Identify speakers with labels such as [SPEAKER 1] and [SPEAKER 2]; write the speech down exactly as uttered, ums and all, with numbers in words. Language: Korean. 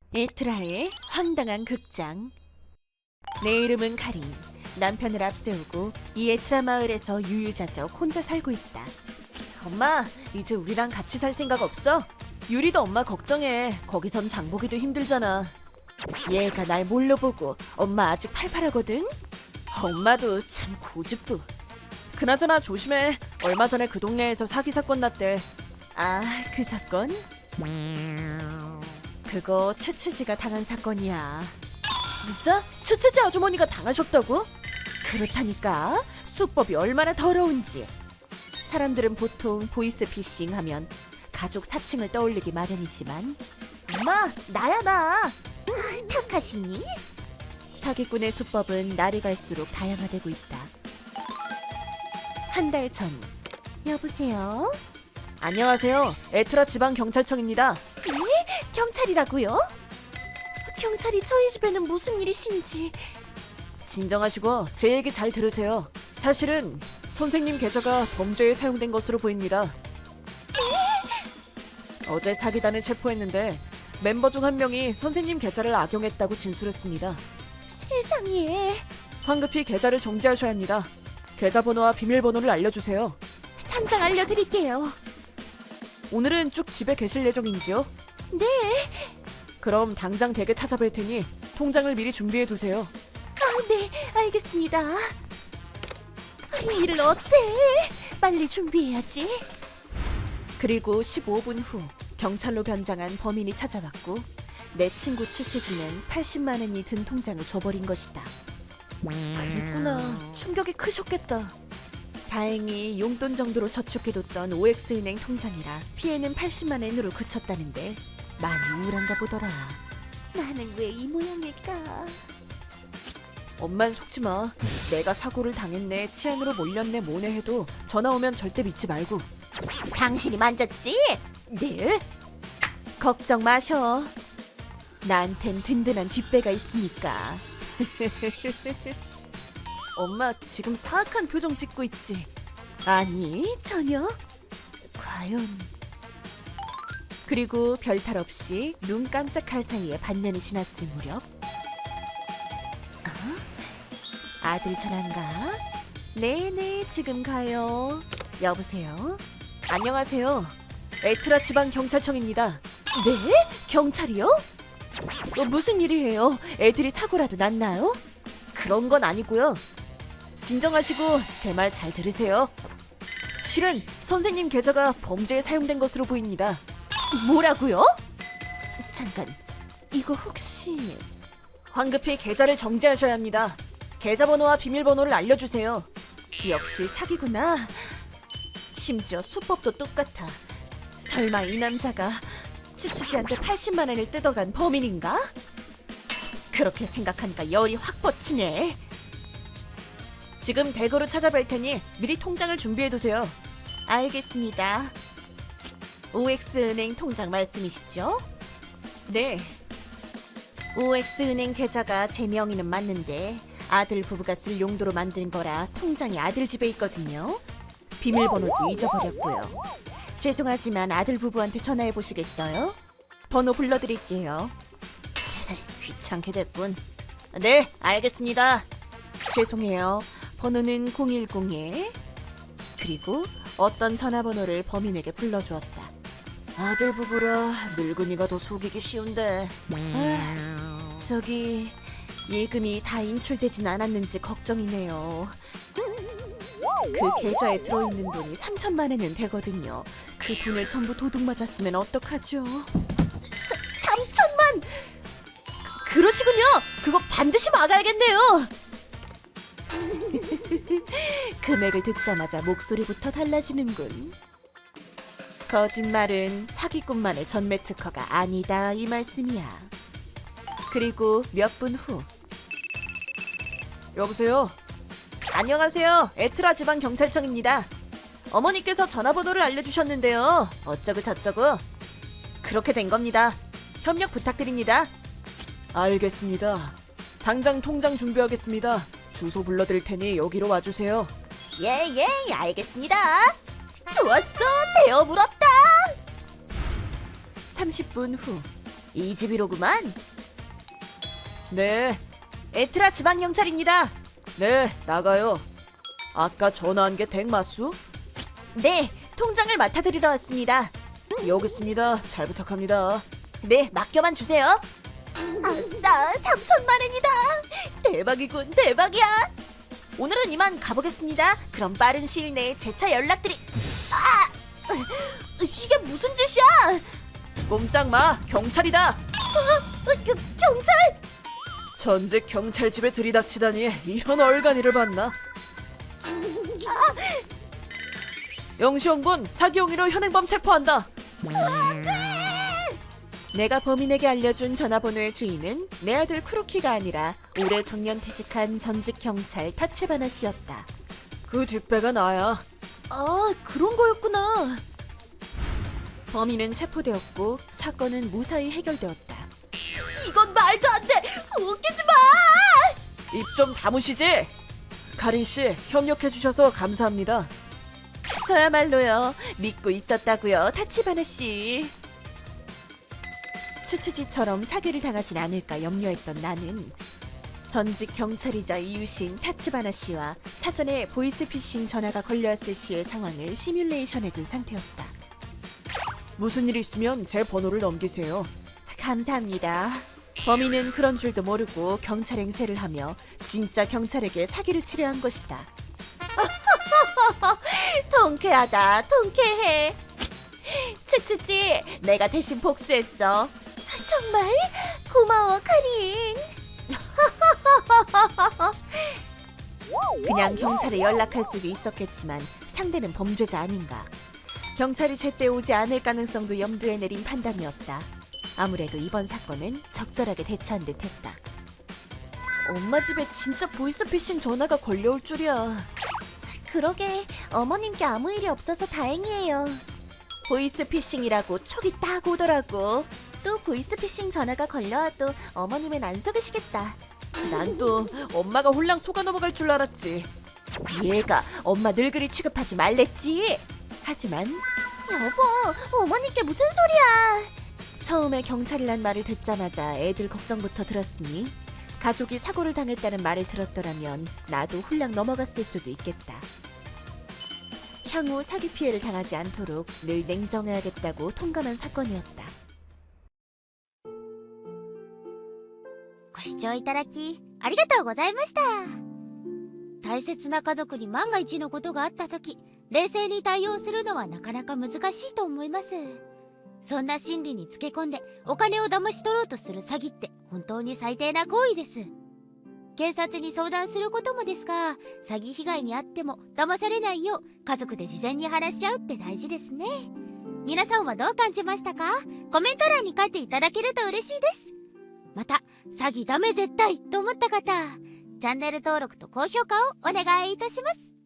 [SPEAKER 1] 에트라의 황당한 극장. 내 이름은 카린. 남편을 앞세우고 이 에트라 마을에서 유유자적 혼자 살고 있다. 엄마, 이제 우리랑 같이 살 생각 없어? 유리도 엄마 걱정해. 거기선 장보기도 힘들잖아. 얘가 날 몰려 보고 엄마 아직 팔팔하거든? 엄마도 참 고집도. 그나저나 조심해. 얼마 전에 그 동네에서 사기 사건 났대. 아, 그 사건? 그거 츠츠지가 당한 사건이야. 진짜? 츠츠지 아주머니가 당하셨다고? 그렇다니까. 수법이 얼마나 더러운지. 사람들은 보통 보이스피싱 하면 가족 사칭을 떠올리기 마련이지만 엄마, 나야 나. 타카시니? 사기꾼의 수법은 날이 갈수록 다양화되고 있다. 한 달 전. 여보세요? 안녕하세요. 에트라 지방경찰청입니다. 네? 경찰이라고요? 경찰이 저희 집에는 무슨 일이신지. 진정하시고 제 얘기 잘 들으세요. 사실은 선생님 계좌가 범죄에 사용된 것으로 보입니다. 네? 어제 사기단을 체포했는데 멤버 중 한 명이 선생님 계좌를 악용했다고 진술했습니다. 세상에. 황급히 계좌를 정지하셔야 합니다. 계좌번호와 비밀번호를 알려주세요. 당장 알려드릴게요. 오늘은 쭉 집에 계실 예정인지요? 네. 그럼 당장 댁에 찾아뵐 테니 통장을 미리 준비해 두세요. 아, 네, 알겠습니다. 이 일을 어째? 빨리 준비해야지. 그리고 십오 분 후 경찰로 변장한 범인이 찾아왔고 내 친구 츠츠지는 팔십만 원이 든 통장을 줘버린 것이다. 그랬구나. 충격이 크셨겠다. 다행히 용돈 정도로 저축해뒀던 오엑스은행 통장이라 피해는 팔십만 원으로 그쳤다는데 많이 우울한가 보더라. 나는 왜 이 모양일까? 엄만 속지 마. 내가 사고를 당했네, 치안으로 몰렸네 뭐네 해도 전화 오면 절대 믿지 말고. 당신이 만졌지? 네? 걱정 마셔. 나한텐 든든한 뒷배가 있으니까. 엄마 지금 사악한 표정 짓고 있지? 아니, 전혀. 과연. 그리고 별탈 없이 눈 깜짝할 사이에 반년이 지났을 무렵. 아? 아들 전화인가? 네네, 지금 가요. 여보세요? 안녕하세요. 에트라 지방경찰청입니다. 네? 경찰이요? 어, 무슨 일이에요? 애들이 사고라도 났나요? 그런 건 아니고요. 진정하시고 제 말 잘 들으세요. 실은 선생님 계좌가 범죄에 사용된 것으로 보입니다. 뭐라고요? 잠깐, 이거 혹시... 황급히 계좌를 정지하셔야 합니다. 계좌번호와 비밀번호를 알려주세요. 역시 사기구나. 심지어 수법도 똑같아. 설마 이 남자가 츠츠지한테 팔십만 원을 뜯어간 범인인가? 그렇게 생각하니까 열이 확 뻗치네. 지금 댁으로 찾아뵐 테니 미리 통장을 준비해두세요. 알겠습니다. 오엑스은행 통장 말씀이시죠? 네. 오엑스은행 계좌가 제 명의는 맞는데 아들 부부가 쓸 용도로 만든 거라 통장이 아들 집에 있거든요. 비밀번호도 잊어버렸고요. 죄송하지만 아들 부부한테 전화해 보시겠어요? 번호 불러드릴게요. 참, 귀찮게 됐군. 네, 알겠습니다. 죄송해요. 번호는 공일공에 그리고 어떤 전화번호를 범인에게 불러주었다. 아들 부부라 늙은이가 더 속이기 쉬운데. 아, 저기 예금이 다 인출되진 않았는지 걱정이네요. 그 계좌에 들어있는 돈이 삼천만 원은 되거든요. 그 돈을 전부 도둑 맞았으면 어떡하죠? 사, 삼천만! 그러시군요! 그거 반드시 막아야겠네요! 금액을 듣자마자 목소리부터 달라지는군. 거짓말은 사기꾼만의 전매 특허가 아니다, 이 말씀이야. 그리고 몇 분 후. 여보세요? 안녕하세요. 에트라 지방경찰청입니다. 어머니께서 전화번호를 알려주셨는데요. 어쩌고 저쩌고. 그렇게 된 겁니다. 협력 부탁드립니다. 알겠습니다. 당장 통장 준비하겠습니다. 주소 불러드릴 테니 여기로 와주세요. 예예, 예, 알겠습니다. 좋았어, 대어 물었다. 삼십 분 후. 이 집이로구만. 네. 에트라 지방경찰입니다. 네, 나가요. 아까 전화한 게 댁마수? 네, 통장을 맡아드리러 왔습니다. 여기 있습니다. 잘 부탁합니다. 네, 맡겨만 주세요. 아싸, 삼천만 원이다. 대박이군, 대박이야. 오늘은 이만 가보겠습니다. 그럼 빠른 시일 내에 재차 연락드리... 아! 이게 무슨 짓이야? 꼼짝 마, 경찰이다. 어, 겨, 경찰? 전직 경찰 집에 들이닥치다니 이런 얼간이를 봤나? 영시홍군 사기 혐의로 현행범 체포한다. 내가 범인에게 알려준 전화번호의 주인은 내 아들 크루키가 아니라 올해 정년 퇴직한 전직 경찰 타치바나 씨였다. 그 뒷배가 나야. 아, 그런 거였구나. 범인은 체포되었고 사건은 무사히 해결되었다. 이건 말도 안 돼! 웃기지 마! 입 좀 다무시지? 가린 씨, 협력해 주셔서 감사합니다. 저야말로요. 믿고 있었다고요, 타치바나 씨. 추추지처럼 사기를 당하진 않을까 염려했던 나는 전직 경찰이자 이웃인 타치바나 씨와 사전에 보이스피싱 전화가 걸려왔을 시의 상황을 시뮬레이션해둔 상태였다. 무슨 일이 있으면 제 번호를 넘기세요. 감사합니다. 범인은 그런 줄도 모르고 경찰 행세를 하며 진짜 경찰에게 사기를 치려 한 것이다. 통쾌하다, 통쾌해. 추추지, 내가 대신 복수했어. 정말? 고마워, 카린. 그냥 경찰에 연락할 수도 있었겠지만 상대는 범죄자 아닌가. 경찰이 제때 오지 않을 가능성도 염두에 내린 판단이었다. 아무래도 이번 사건은 적절하게 대처한 듯했다. 엄마 집에 진짜 보이스피싱 전화가 걸려올 줄이야. 그러게, 어머님께 아무 일이 없어서 다행이에요. 보이스피싱이라고 촉이 딱 오더라고. 또 보이스피싱 전화가 걸려와도 어머님은 안 속으시겠다. 난 또 엄마가 홀랑 속아 넘어갈 줄 알았지. 얘가 엄마 늙은이 취급하지 말랬지. 하지만 여보, 어머님께 무슨 소리야. 처음에 경찰이란 말을 듣자마자 애들 걱정부터 들었으니 가족이 사고를 당했다는 말을 들었더라면 나도 홀랑 넘어갔을 수도 있겠다. 향후 사기 피해를 당하지 않도록 늘 냉정해야겠다고 통감한 사건이었다.
[SPEAKER 2] ご視聴いただきありがとうございました。大切な家族に万が一のことがあった時、冷静に対応するのはなかなか難しいと思います。そんな心理につけ込んでお金を騙し取ろうとする詐欺って本当に最低な行為です。警察に相談することもですが、詐欺被害に遭っても騙されないよう家族で事前に話し合うって大事ですね。皆さんはどう感じましたか？コメント欄に書いていただけると嬉しいです。また、詐欺ダメ絶対と思った方、チャンネル登録と高評価をお願いいたします。